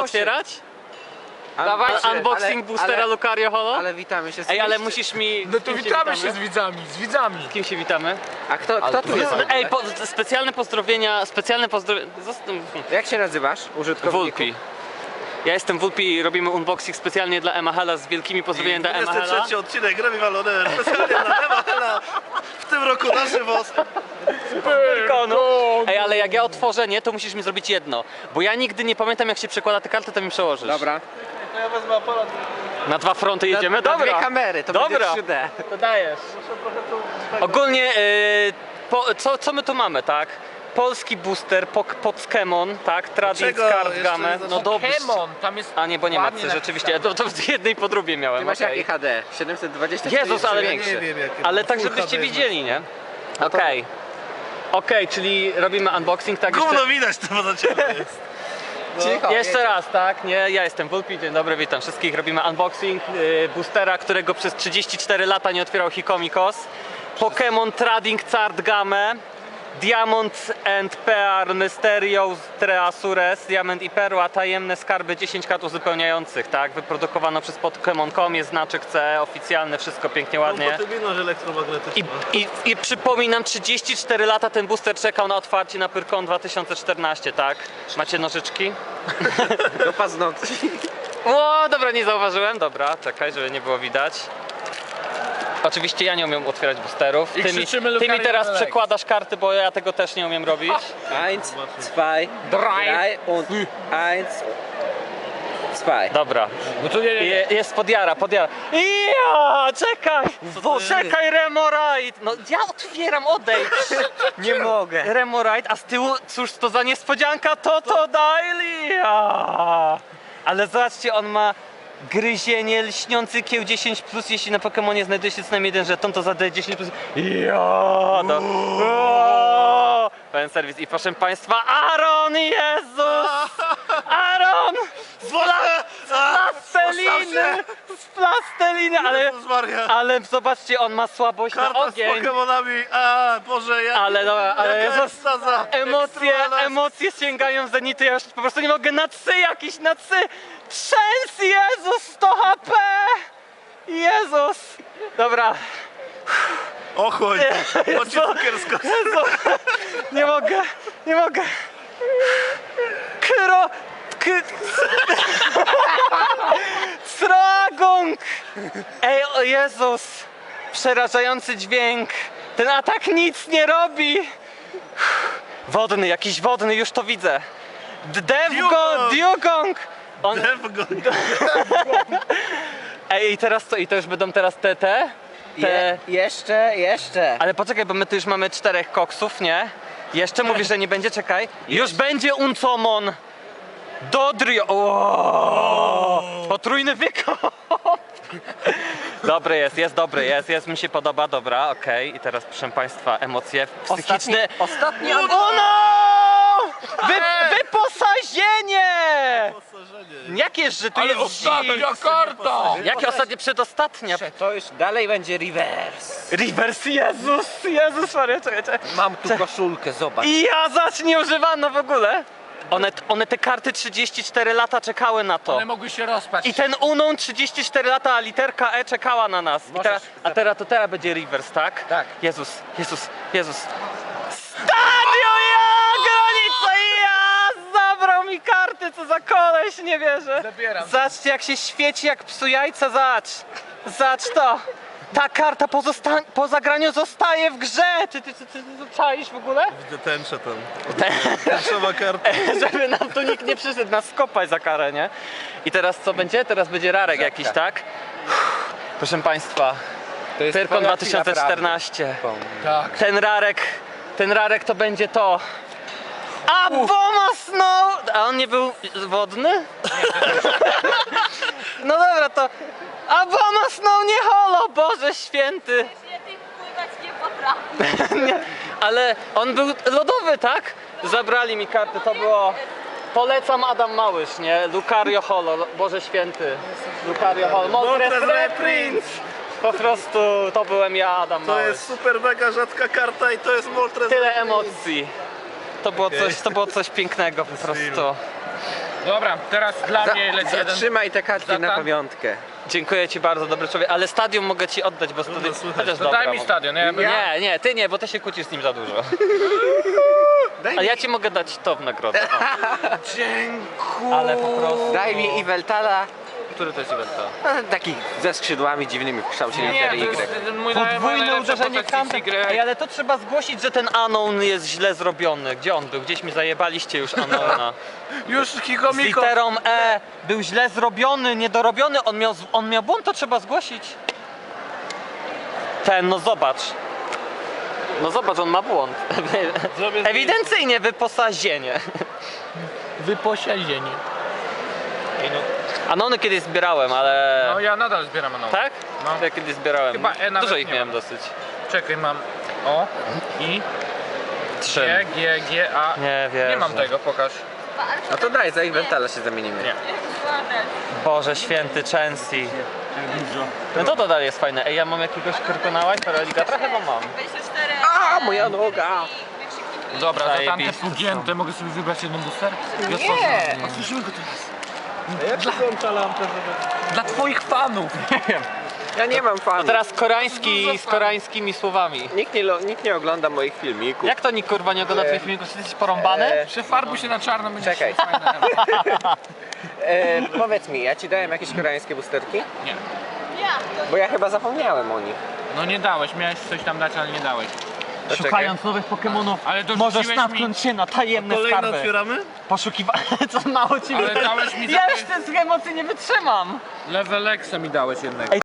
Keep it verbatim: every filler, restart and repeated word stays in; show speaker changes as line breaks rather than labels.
otwierać?
Dawaj,
Unboxing
ale,
boostera
ale,
Lucario Holo?
ale witamy się z
Ej, ale
kimś,
musisz mi...
No
z
to
kim
witamy się z widzami, z widzami.
Z kim się witamy?
A kto, kto tu jest?
Ej, po, specjalne pozdrowienia, specjalne pozdrowienia...
Jak się nazywasz, użytkowniku?
Wulpi. Ja jestem Wulpi i robimy unboxing specjalnie dla Emahela z wielkimi pozdrowieniami dla Emahela.
dwudziesty trzeci odcinek Remi Valoner, specjalnie dla Emahela. W tym roku na żywo.
Pyrkonu. Ej, ale jak ja otworzę, nie, to musisz mi zrobić jedno. Bo ja nigdy nie pamiętam, jak się przekłada te karty, to mi przełożysz.
Dobra.
To ja wezmę aparat.
Na dwa fronty jedziemy?
Na,
Dobra.
na dwie kamery, to
Dobra.
będzie trzy D.
To dajesz. Ogólnie, yy, po, co, co my tu mamy, tak? Polski booster, pok, Pokémon, tak? Trading
Dlaczego
Card
jeszcze
Game.
nie
No
zaczęło?
dobrze.
Pokémon, tam jest...
A nie, bo nie ma
ładnie
C, rzeczywiście. To, to z jednej po drugiej miałem.
Ty masz
okej.
jakie H D? siedemset dwadzieścia cztery?
Jezus, ale
Ja nie
większy.
wiem, jakie
Ale
mam.
tak,
Full
żebyście
H D
widzieli, nie? Okej. Okej, czyli robimy unboxing, tak?
Gówno
Jeszcze,
widać, to poza ciebie jest.
Cicho,
jeszcze raz, tak? Nie, ja jestem Wulpi, dzień dobry, witam wszystkich. Robimy unboxing yy, boostera, którego przez trzydzieści cztery lata nie otwierał Hikomikos. Pokémon Trading Card Game. Diamond and Pearl Mysterious Treasures, Diamant i Perła, tajemne skarby, dziesięć kart uzupełniających, tak? Wyprodukowano przez Pokémon kropka com, jest znaczek C E oficjalny, wszystko pięknie, ładnie.
Kompatybilność elektromagnetyczna.
I, i, I przypominam, trzydzieści cztery lata ten booster czekał na otwarcie na Pyrkon dwa tysiące czternaście, tak? Macie nożyczki?
do paznokci.
O, dobra, nie zauważyłem, dobra, czekaj, żeby nie było widać. Oczywiście ja nie umiem otwierać boosterów.
I
Ty mi,
krzyczymy
ty mi
Lucario
teraz
Holo.
przekładasz karty, bo ja tego też nie umiem robić.
Eins, zwei, drei und eins, zwei.
Dobra.
No to nie, nie, nie.
Je, jest podjara, podjara. Ja, czekaj!
to jest?
Czekaj, Remorite! No ja otwieram, odejdź!
Nie mogę.
Remorite, a z tyłu, cóż to za niespodzianka, to to Dailia! Ale zobaczcie, on ma gryzienie, lśniący kieł dziesięć plus, jeśli na Pokemonie znajduje się co najmniej jeden żeton, to zadaje dziesięć plus. Ja, do... O! Pełen serwis i proszę Państwa, Aaron, Jezus! Aaron! Z pla- z plasteliny! Z plasteliny, ale,
Jezus Maria.
ale zobaczcie, on ma słabość na
Karta z
ogień.
Pokemonami, a Boże, jak...
Ale dobra, ale
jaka
Jezus,
ekstaza,
emocje,
ekstremala.
emocje sięgają w zenity, ja już po prostu nie mogę, na cy jakiś, na cy! Trzęs, Jezus, sto H P! Jezus! Dobra,
Ochłoń, bo ci cukiersko.
Jezu, nie mogę, nie mogę. Kro... K... Sragong! Ej, o Jezus! Przerażający dźwięk. Ten atak nic nie robi. Wodny, jakiś wodny, już to widzę. D- Devgo, Dugong! On...
Devgo.
Ej, i teraz co? I to już będą teraz te, te? te...
Je, jeszcze, jeszcze.
Ale poczekaj, bo my tu już mamy czterech koksów, nie? Jeszcze mówisz, że nie będzie, czekaj. Już będzie Uncomon! Dodrio! O! Potrójny wykop! Dobry jest, jest dobry, jest, jest, mi się podoba, dobra, okej. I teraz, proszę Państwa, emocje psychiczne.
Ostatni
O no! Wy, wyposażenie! Jakież, że tu
Ale
jest
ostatnia
dzik?
karta!
Jakie ostatnie, przedostatnia?
To już dalej będzie reverse.
Reverse, Jezus, Jezus Maria, czekaj, czekaj.
Mam tu koszulkę, zobacz.
I ja zaś nie używano w ogóle. One, one te karty trzydzieści cztery lata czekały na to.
One mogły się rozpaść.
I ten Unon trzydzieści cztery lata, a literka E czekała na nas. I teraz, a teraz to teraz będzie reverse, tak?
Tak.
Jezus, Jezus, Jezus. Stadio, ja! Granica, ja! Zabrał mi karty, co za koleś, nie wierzę.
Zabieram.
Zobaczcie, jak się świeci, jak psu jajca, zacz. Zacz to. Ta karta po, zosta- po zagraniu zostaje w grze. Ty, ty, ty, ty, ty to czaisz w ogóle?
Widzę tęczę tam. Tęczowa karta.
Żeby nam tu nikt nie przyszedł nas skopać za karę, nie? I teraz co będzie? Teraz będzie rarek jakiś, tak? Proszę Państwa,
To jest
Pyrkon
twoja
dwa tysiące czternaście.
chwila
Tak.
Ten rarek, ten rarek to będzie to. A Boma Snow! A on nie był wodny? No dobra, to... A Boma Snow nie holo, Boże święty!
Świetnie pływać nie potrafi.
Nie, ale on był lodowy, tak? Zabrali mi karty, to było... Polecam Adam Małysz, nie? Lucario Holo, Boże Święty. Lucario Holo, Moltres
Moltres
Reprints! Po prostu to byłem ja, Adam
To
Małysz.
jest super mega rzadka karta i to jest Moltres.
Tyle emocji. To było,
Okej.
coś, to było coś pięknego po prostu.
Dobra, teraz dla mnie leci jeden.
Zatrzymaj te kartki
Zlatan.
na pamiątkę.
Dziękuję ci bardzo, dobry człowiek, ale stadion mogę ci oddać, bo stadion... Chociaż
To
dobra,
daj mi
mogę.
stadion, ja bym...
Nie, nie, ty nie, bo ty się kłócisz z nim za dużo. Ale ja ci mogę dać to w nagrodę. O.
Dziękuję.
Ale po prostu...
Daj mi Iweltala.
Który to jest Iwelta?
No, taki ze skrzydłami dziwnymi w kształcie
Nie,
litery
to jest
Y.
mój naj- moja
Podwójne
najlepsza
uderzenie
postać
kampem.
Y.
Ej, ale to trzeba zgłosić, że ten Anon jest źle zrobiony. Gdzie on był? Gdzieś mi zajebaliście już Anona.
Już
Z
Hikomiko.
literą E. Był źle zrobiony, niedorobiony. On miał, on miał błąd, to trzeba zgłosić. Ten, no zobacz. No zobacz, on ma błąd. Ewidencyjnie wyposażenie.
Wyposiedzenie.
Anony kiedyś zbierałem, ale...
No ja nadal zbieram anon.
Tak?
No.
Ja kiedyś zbierałem.
Chyba E nawet
Dużo ich
nie
miałem
mam.
dosyć.
Czekaj, mam O, I,
Trzy.
G, G, G, A.
Nie wiem.
Nie mam tego, pokaż.
No to daj, za Iweltala się zamienimy.
Nie.
Boże święty, Chelsea. No to to dalej jest fajne. Ej, ja mam jakiegoś Krkonała i Paraligatra? Chyba mam.
dwadzieścia cztery.
A, moja noga!
Dobra, za tamte
Zajebiste
pugięte mogę sobie wybrać jeden booster?
Nie!
Otworzymy go teraz.
Jak włącza lampę, żeby...
Dla twoich fanów.
Ja nie mam fanów.
Teraz koreański z koreańskimi słowami.
Nikt nie, lo- nikt nie ogląda moich filmików.
Jak to nikt kurwa nie ogląda twoich filmików? Czy ty jesteś porąbany?
E,
Przefarbuj się na czarno, będzie
Czekaj.
fajne.
E, powiedz mi, ja ci dałem jakieś koreańskie boosterki?
Nie.
Ja.
Bo ja chyba zapomniałem o nich.
No nie dałeś, miałeś coś tam dać, ale nie dałeś.
To czekaj.
Szukając nowych Pokemonów,
Ale to
możesz
rzuciłeś
natknąć się na tajemne
Kolejne
skarby.
otwieramy?
Poszukiwanie, co mało ci
Ale dałeś mi za
Ja
to-
już te emocji nie wytrzymam.
Level Exa mi dałeś jednego.
Ej,